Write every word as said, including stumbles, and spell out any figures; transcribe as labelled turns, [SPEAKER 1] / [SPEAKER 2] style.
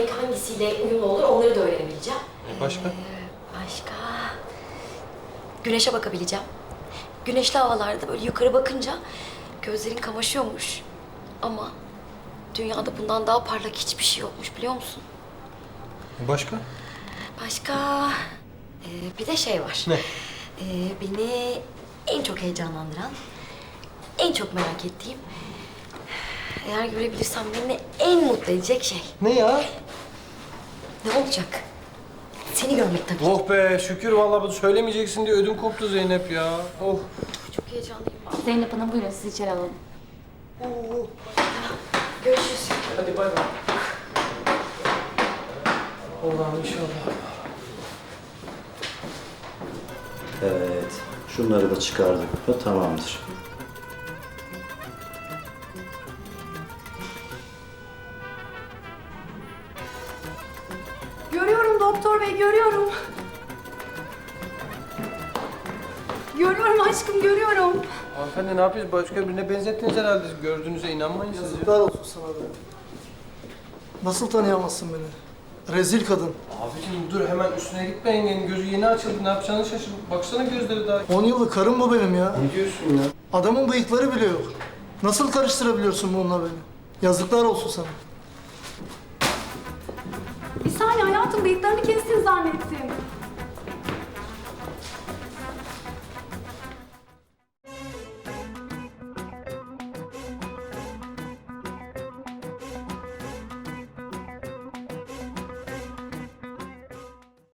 [SPEAKER 1] renk hangisiyle uyumlu olur onları da öğrenebileceğim.
[SPEAKER 2] Başka?
[SPEAKER 1] Ee, başka... Güneşe bakabileceğim. Güneşli havalarda böyle yukarı bakınca gözlerin kamaşıyormuş. Ama dünyada bundan daha parlak hiçbir şey yokmuş biliyor musun?
[SPEAKER 2] Başka?
[SPEAKER 1] Başka... Ee, bir de şey var.
[SPEAKER 2] Ne?
[SPEAKER 1] Ee, beni en çok heyecanlandıran, en çok merak ettiğim... Eğer görebilirsem beni en mutlu edecek şey.
[SPEAKER 2] Ne ya?
[SPEAKER 1] Ne olacak? Seni görmek tabii.
[SPEAKER 2] Oh be şükür vallahi bunu söylemeyeceksin diye ödüm koptu Zeynep ya. Oh.
[SPEAKER 1] Çok heyecanlıyım ben.
[SPEAKER 3] Zeynep Hanım buyurun sizi içeri alalım.
[SPEAKER 2] Oo.
[SPEAKER 1] Görüşürüz.
[SPEAKER 2] Hadi bay bay. Allah'ım inşallah.
[SPEAKER 4] Evet, şunları da çıkardık mı tamamdır.
[SPEAKER 5] Görüyorum doktor bey, görüyorum. Görüyorum aşkım, görüyorum.
[SPEAKER 2] Hanımefendi ne yapıyorsunuz? Başka birine benzettiniz herhalde. Gördüğünüze inanmayın siz.
[SPEAKER 6] Yazıklar olsun sana be. Nasıl tanıyamazsın beni? Rezil kadın.
[SPEAKER 2] Abicim dur hemen üstüne gitme yengenin gözü yeni açıldı. Ne yapacağını şaşırdım. Baksana gözleri daha.
[SPEAKER 6] On yıllık karım bu benim ya.
[SPEAKER 2] Ne diyorsun ya?
[SPEAKER 6] Adamın bıyıkları bile yok. Nasıl karıştırabiliyorsun bununla beni? Yazıklar olsun sana.
[SPEAKER 5] Bir saniye hayatım, bıyıklarını kestin zannettim.